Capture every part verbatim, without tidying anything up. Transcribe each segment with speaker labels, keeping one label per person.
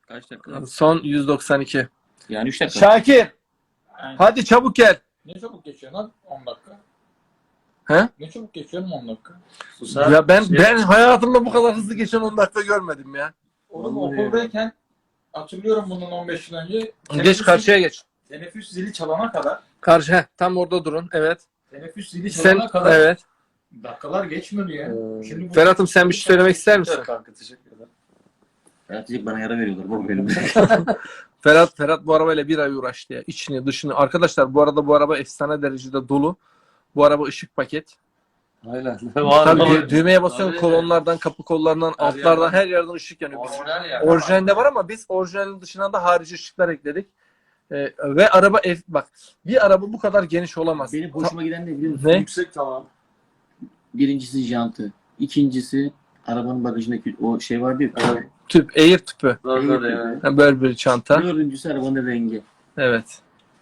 Speaker 1: Kaç dakika?
Speaker 2: Son yüz doksan iki.
Speaker 1: Yani üç dakika.
Speaker 2: Şakir.
Speaker 3: Aynen.
Speaker 2: Hadi çabuk gel.
Speaker 3: Ne çabuk geçiyor lan on dakika.
Speaker 2: He?
Speaker 3: Ne çabuk geçiyor on dakika.
Speaker 2: Ya ben ben hayatımda bu kadar hızlı geçen on dakika görmedim ya.
Speaker 3: Oğlum
Speaker 1: Vallahi
Speaker 3: okuldayken hatırlıyorum bundan on beş yıl önce.
Speaker 2: Geç
Speaker 3: teneffüs
Speaker 2: karşıya geç.
Speaker 3: zili- Teneffüs zili çalana kadar.
Speaker 2: Karşı heh, tam orada durun. Evet.
Speaker 3: Teneffüs zili
Speaker 2: Sen
Speaker 3: çalana kadar.
Speaker 2: evet.
Speaker 3: Dakikalar geçmiyor ya.
Speaker 1: Ee,
Speaker 3: Şimdi bu-
Speaker 2: Ferhat'ım sen bir şey söylemek ister misin?
Speaker 1: Kanka teşekkür ederim. Ferhat diyecek bana yara veriyorlar. Bu benim.
Speaker 2: Ferhat Ferhat bu arabayla bir ay uğraştı ya. İçini dışını. Arkadaşlar bu arada bu araba efsane derecede dolu. Bu araba ışık paket.
Speaker 1: Aynen.
Speaker 2: Tabii dü- düğmeye basıyorsun,
Speaker 1: Tabii.
Speaker 2: kolonlardan, kapı kollarından,
Speaker 1: Her
Speaker 2: altlardan
Speaker 1: yerden.
Speaker 2: her yerden ışık yanıyor. Biz-
Speaker 3: Orijinal ya.
Speaker 2: Orijinalinde var ama biz orijinalin dışına da harici ışıklar ekledik. Ee, ve araba ev, bak bir araba bu kadar geniş olamaz.
Speaker 1: Benim hoşuma giden ne biliyor musun?
Speaker 2: Ne?
Speaker 3: Yüksek tamam.
Speaker 1: Birincisi jantı. İkincisi arabanın bagajındaki o şey vardı ya.
Speaker 2: Tüp, air tüpü.
Speaker 1: Air tüpü.
Speaker 2: Ha, böyle bir çanta.
Speaker 1: Dördüncüsü arabanın rengi.
Speaker 2: Evet.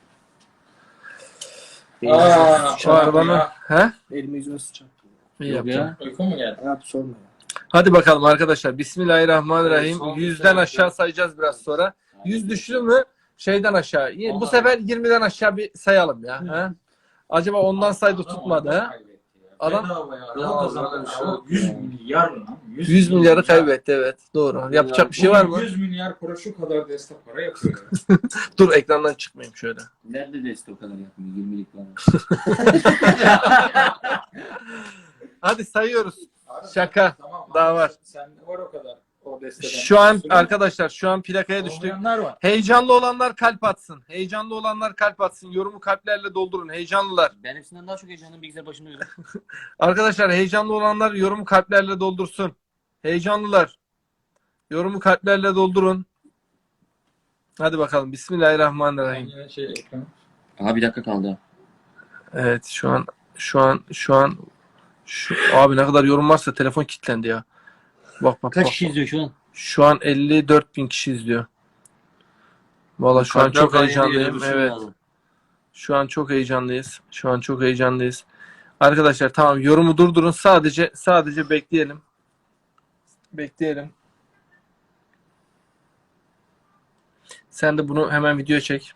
Speaker 3: Aa,
Speaker 2: Şu arabanın... He?
Speaker 4: Elimi yüzüme sıçacağım.
Speaker 2: İyi
Speaker 1: Yok
Speaker 2: yaptın.
Speaker 1: ya.
Speaker 3: Uyku mu geldi?
Speaker 4: Hayat sorma ya.
Speaker 2: Hadi bakalım arkadaşlar. Bismillahirrahmanirrahim.
Speaker 1: Son
Speaker 2: Yüzden
Speaker 1: bir
Speaker 2: aşağı sayacağız biraz sonra. Yüz düştü mü şeyden aşağı. Bu sefer yirmiden aşağı bir sayalım ya. He? Acaba ondan saydı tutmadı. He? Adam-
Speaker 3: Adam yüz milyar lan.
Speaker 2: yüz milyarı kaybetti, evet. Doğru. Yapacak bir şey var mı?
Speaker 3: yüz milyar para şu kadar destek para yapıyor.
Speaker 2: Dur ekrandan çıkmayayım şöyle.
Speaker 1: Nerede destek o kadar yapmıyor? yirmilik var.
Speaker 2: Hadi sayıyoruz. Şaka.
Speaker 3: Tamam.
Speaker 2: Daha var.
Speaker 3: Sende var o kadar. O desteden.
Speaker 2: Şu an
Speaker 3: Sürü-
Speaker 2: arkadaşlar şu an plakaya düştük.
Speaker 3: Olmayanlar var.
Speaker 2: Heyecanlı olanlar kalp atsın. Heyecanlı olanlar kalp atsın. Yorumu kalplerle doldurun. Heyecanlılar.
Speaker 1: Ben hepsinden daha çok heyecanlıyım bilgisayar başında öyle.
Speaker 2: Arkadaşlar heyecanlı olanlar yorumu kalplerle doldursun. Heyecanlılar. Yorumu kalplerle doldurun. Hadi bakalım. Bismillahirrahmanirrahim.
Speaker 3: Yine şey ekran.
Speaker 1: Aha bir dakika kaldı.
Speaker 2: Evet şu an şu an şu an şu, abi ne kadar yorum varsa telefon kilitlendi ya. Bak bak
Speaker 1: Kaç
Speaker 2: bak.
Speaker 1: kişi izliyor şu an?
Speaker 2: Şu an elli dört bin kişi izliyor. Valla şu an çok heyecanlıyım. Evet. Şu an çok heyecanlıyız. Şu an çok heyecanlıyız. Arkadaşlar tamam yorumu durdurun. Sadece sadece bekleyelim. Bekleyelim. Sen de bunu hemen video çek.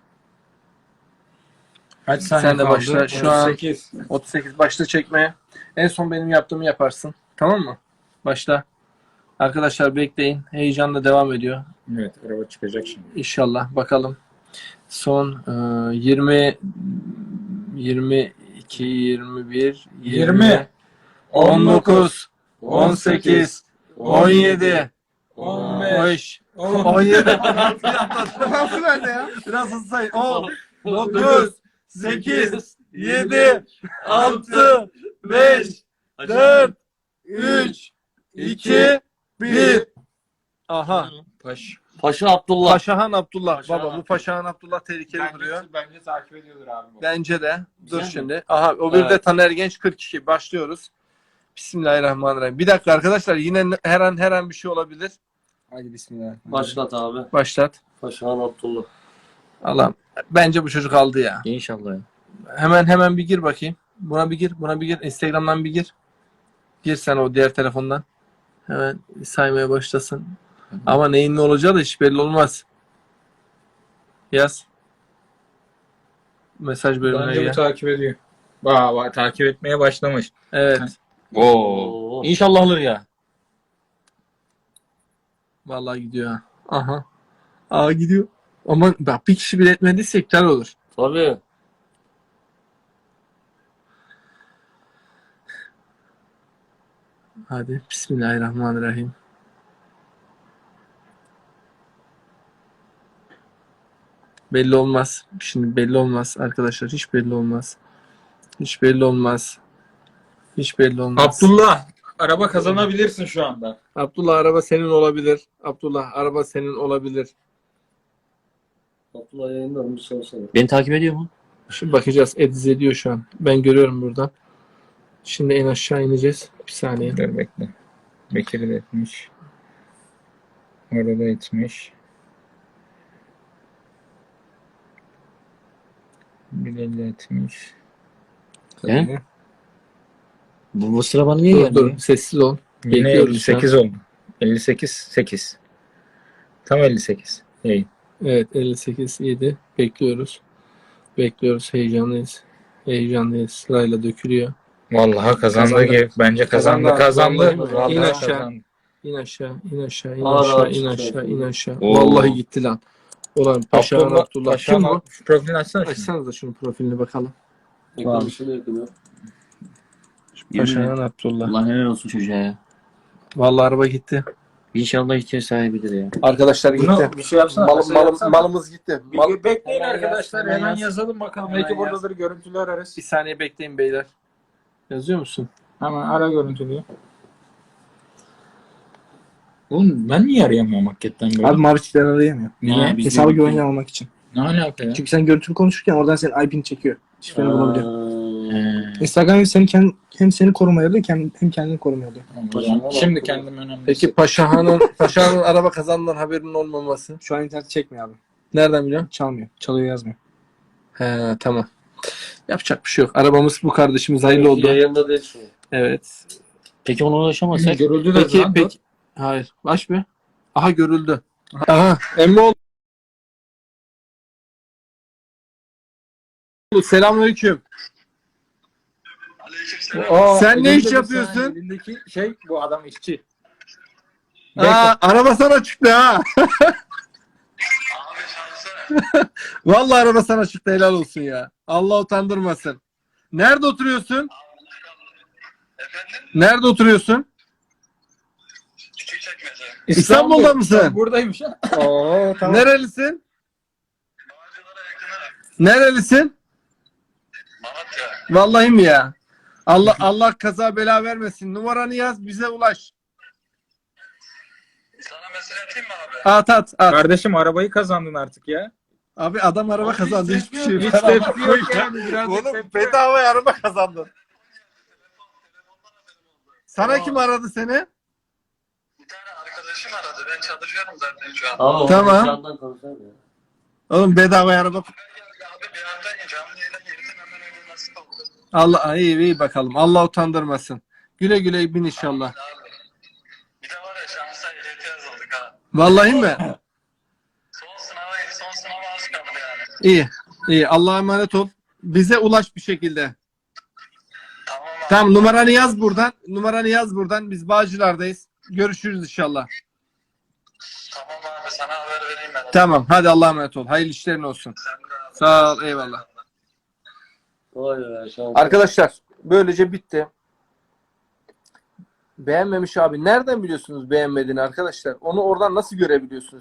Speaker 3: Kaç saniye
Speaker 2: Sen de
Speaker 3: kaldı?
Speaker 2: başla. Şu an-
Speaker 3: otuz sekiz.
Speaker 2: otuz sekiz başla çekmeye. En son benim yaptığımı yaparsın. Tamam mı? Başla. Arkadaşlar bekleyin. Heyecanla devam ediyor.
Speaker 3: Evet araba çıkacak şimdi.
Speaker 2: İnşallah. Bakalım. Son e, yirmi yirmi iki yirmi bir
Speaker 3: yirmi,
Speaker 2: on dokuz on sekiz on yedi
Speaker 3: on
Speaker 2: on
Speaker 3: beş,
Speaker 2: beş
Speaker 3: on
Speaker 2: on yedi Nasıl nerede ya? Biraz hızlı say. on dokuz sekiz yedi altı beş dört üç iki bir Aha.
Speaker 3: Paş.
Speaker 1: Paşa Abdullah.
Speaker 2: Paşahan Abdullah.
Speaker 3: Paşahan
Speaker 2: Baba bu
Speaker 3: Abdullah.
Speaker 2: Paşahan Abdullah tehlikeli duruyor.
Speaker 3: Bence, bence takip ediyordur abi. bu.
Speaker 2: Bence de. Dur
Speaker 1: Güzel mi?
Speaker 2: şimdi. Aha o bir de
Speaker 1: Evet.
Speaker 2: Taner Genç kırk iki. Başlıyoruz. Bismillahirrahmanirrahim. Bir dakika arkadaşlar yine her an her an bir şey olabilir.
Speaker 4: Hadi bismillah.
Speaker 1: Başlat abi.
Speaker 2: Başlat.
Speaker 1: Paşa Abdullah.
Speaker 2: Allah'ım. Bence bu çocuk aldı ya.
Speaker 1: İnşallah ya.
Speaker 2: Hemen hemen bir gir bakayım. Buna bir gir. Buna bir gir. Instagram'dan bir gir. Gir sen o diğer telefondan. Hemen saymaya başlasın. Ama neyin ne olacağı da hiç belli olmaz. Yaz. Mesaj bölümüne
Speaker 3: Bence bu
Speaker 2: gel.
Speaker 3: takip ediyor. Vay vay takip etmeye başlamış.
Speaker 2: Evet.
Speaker 1: Oo.
Speaker 2: İnşallah alır ya. Vallahi gidiyor ha. Aha. Aa gidiyor. Ama bak bir kişi bile etmediyse iptal olur.
Speaker 1: Tabii.
Speaker 2: Hadi. Bismillahirrahmanirrahim. Belli olmaz. Şimdi belli olmaz arkadaşlar. Hiç belli olmaz. Hiç belli olmaz. Hiç belli olmaz.
Speaker 3: Abdullah araba kazanabilirsin şu anda.
Speaker 2: Abdullah araba senin olabilir. Abdullah araba senin olabilir.
Speaker 4: Abdullah yayında olmuş sorsana.
Speaker 1: Beni takip ediyor mu?
Speaker 2: Şimdi bakacağız. Ediz ediyor şu an. Ben görüyorum buradan. Şimdi en aşağı ineceğiz. Bir saniye.
Speaker 3: Dur bekle. Bekir'i de etmiş. Orada etmiş. Bilal de etmiş.
Speaker 1: He? Bu, bu sıra bana niye
Speaker 2: Dur
Speaker 1: geldi?
Speaker 2: dur. Sessiz ol.
Speaker 3: Yine
Speaker 2: Bekliyoruz
Speaker 3: elli sekiz oldu. elli sekiz sekiz. Tam elli sekiz. İyi.
Speaker 2: Evet elli sekiz yedi. Bekliyoruz. Bekliyoruz. Heyecanlıyız. Heyecanlıyız. Sırayla dökülüyor.
Speaker 3: Vallahi kazandı
Speaker 2: Kazandı.
Speaker 3: ki bence kazandı
Speaker 2: Kazandı.
Speaker 3: kazandı.
Speaker 2: Vallahi
Speaker 3: Vallahi
Speaker 2: in aşağı.
Speaker 3: kazandı.
Speaker 2: İn aşağı, in aşağı, in
Speaker 1: Ağır
Speaker 2: aşağı,
Speaker 1: ağır
Speaker 2: in
Speaker 1: çıkıyor.
Speaker 2: aşağı, in aşağı.
Speaker 3: Oo.
Speaker 2: Vallahi gitti lan. Ulan Paşa'nın
Speaker 3: Abdullah,
Speaker 2: Abdullah.
Speaker 3: Paşa'nın
Speaker 2: Kim bu?
Speaker 3: Şu profilini açsana şimdi.
Speaker 2: Açsanıza şunun profilini bakalım.
Speaker 1: Ekran dışında yakın.
Speaker 2: Paşa'nın Abdullah.
Speaker 1: Allah helal olsun çocuğa ya.
Speaker 2: Vallahi araba gitti.
Speaker 1: İnşallah ihtiyaç sahibidir ya.
Speaker 2: Arkadaşlar gitti.
Speaker 3: Bunu bir şey yapsana.
Speaker 2: Malım,
Speaker 3: mesaj
Speaker 2: malım,
Speaker 3: yapsana.
Speaker 2: malımız gitti. Mal-
Speaker 3: Bir bekleyin
Speaker 1: Hemen
Speaker 3: arkadaşlar.
Speaker 1: yaz, hemen
Speaker 3: Hemen
Speaker 1: yaz.
Speaker 3: yazalım bakalım.
Speaker 1: Hemen
Speaker 3: Belki
Speaker 1: yaz.
Speaker 3: buradadır, görüntülü ararız.
Speaker 2: Bir saniye bekleyin beyler. Yazıyor musun?
Speaker 3: Hemen ara görüntülüyü. Oğlum ben niye arayamıyorum hakikaten böyle?
Speaker 5: Abi mavi çiftlerini arayamıyor.
Speaker 3: Niye?
Speaker 1: Ya, biz
Speaker 5: Hesabı
Speaker 1: de-
Speaker 5: güvenli almak için.
Speaker 3: Ne alaka ya?
Speaker 5: Çünkü sen görüntülü konuşurken oradan senin I P'ni çekiyor. Çiftlerini bulabiliyor.
Speaker 1: Aa,
Speaker 5: Instagram hem seni, kend, hem seni korumaya alıyor hem, hem kendini korumaya alıyor.
Speaker 3: Tamam, şimdi kendim önemli.
Speaker 2: Peki Paşa'nın Paşa'nın araba kazandığından haberinin olmaması.
Speaker 5: Şu an internet çekmiyor abi.
Speaker 2: Nereden biliyorsun?
Speaker 5: Çalmıyor. Çalıyor yazmıyor.
Speaker 2: He tamam. Yapacak bir şey yok. Arabamız bu kardeşimiz hayırlı oldu.
Speaker 1: Yayında değil şu.
Speaker 2: Evet.
Speaker 1: Peki ona ulaşamazsak?
Speaker 3: görüldü de
Speaker 2: Peki
Speaker 3: lan, dur.
Speaker 2: peki. Hayır. Baş bir. Aha görüldü. Aha. Emmoğlu. Selamünaleyküm.
Speaker 3: Aa,
Speaker 2: Sen ne
Speaker 3: elinde
Speaker 2: iş
Speaker 3: bir
Speaker 2: yapıyorsun?
Speaker 3: saniye, elindeki şey bu adam işçi.
Speaker 2: Aa, araba sana çıktı ha. Vallahi araba sana çıktı, helal olsun ya. Allah utandırmasın. Nerede oturuyorsun? Nerede oturuyorsun? İstanbul'da mısın?
Speaker 3: Buradaymış ha.
Speaker 5: Oo tamam.
Speaker 2: Nerelisin? Nerelisin? Vallahi mi ya? Allah Allah kaza bela vermesin. Numaranı yaz, bize ulaş.
Speaker 6: Sana mesaj atayım mı abi?
Speaker 2: At at at.
Speaker 3: Kardeşim arabayı kazandın artık ya.
Speaker 2: Abi adam araba kazandı, hiçbir şey yok.
Speaker 3: Hiç
Speaker 2: Araba
Speaker 3: tepki
Speaker 2: koy
Speaker 3: yok
Speaker 2: ya.
Speaker 3: yani. Birazcık
Speaker 2: Oğlum
Speaker 3: tepki yok.
Speaker 2: bedava araba kazandın. Sana kim aradı seni?
Speaker 6: Bir tane arkadaşım aradı. Ben çalışıyorum zaten şu an.
Speaker 1: Ama
Speaker 2: Tamam.
Speaker 1: Tamam. Konuşalım ya.
Speaker 2: Oğlum bedava araba.
Speaker 6: Abi bir anda canlı yayına girdim, hemen öyle nasip oldu.
Speaker 2: Allah iyi iyi bakalım. Allah utandırmasın. Güle güle bin inşallah.
Speaker 6: Abi. Bir de var ya şansa ehliyete yazıldık ha.
Speaker 2: Vallahi mi?
Speaker 6: Son sınava, son sınava az kaldı yani.
Speaker 2: İyi. İyi. Allah'a emanet ol. Bize ulaş bir şekilde.
Speaker 6: Tamam abi.
Speaker 2: Tamam, numaranı yaz buradan. Numaranı yaz buradan. Biz Bağcılar'dayız. Görüşürüz inşallah.
Speaker 6: Tamam abi, sana haber vereyim ben.
Speaker 2: Tamam. Hadi Allah'a emanet ol. Hayırlı işlerin olsun.
Speaker 6: Sen de abi.
Speaker 2: Sağ ol. Eyvallah.
Speaker 1: Vay be, şans.
Speaker 2: Arkadaşlar böylece bitti. Beğenmemiş abi. Nereden biliyorsunuz beğenmediğini arkadaşlar? Onu oradan nasıl görebiliyorsunuz?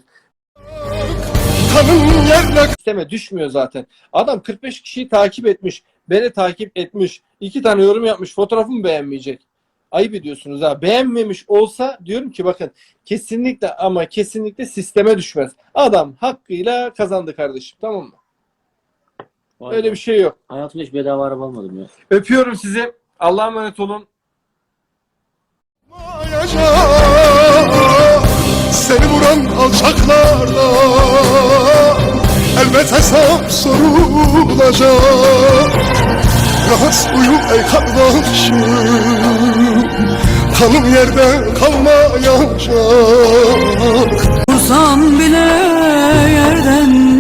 Speaker 2: İsteme düşmüyor zaten. Adam kırk beş kişiyi takip etmiş. Beni takip etmiş. iki tane yorum yapmış. Fotoğrafımı beğenmeyecek. Ayıp ediyorsunuz ha. Beğenmemiş olsa diyorum ki bakın kesinlikle ama kesinlikle sisteme düşmez. Adam hakkıyla kazandı kardeşim. Tamam mı?
Speaker 1: Vay
Speaker 2: Öyle
Speaker 1: be.
Speaker 2: bir şey yok.
Speaker 1: Hayatımda hiç bedava araba almadım ya.
Speaker 2: Öpüyorum sizi. Allah'a emanet olun.
Speaker 7: Seni vuran alçaklarda elbet hesap sorulacak. Rahat uyu ey kardeşim, kanım yerde kalmayacak.
Speaker 8: Vursam bile yerden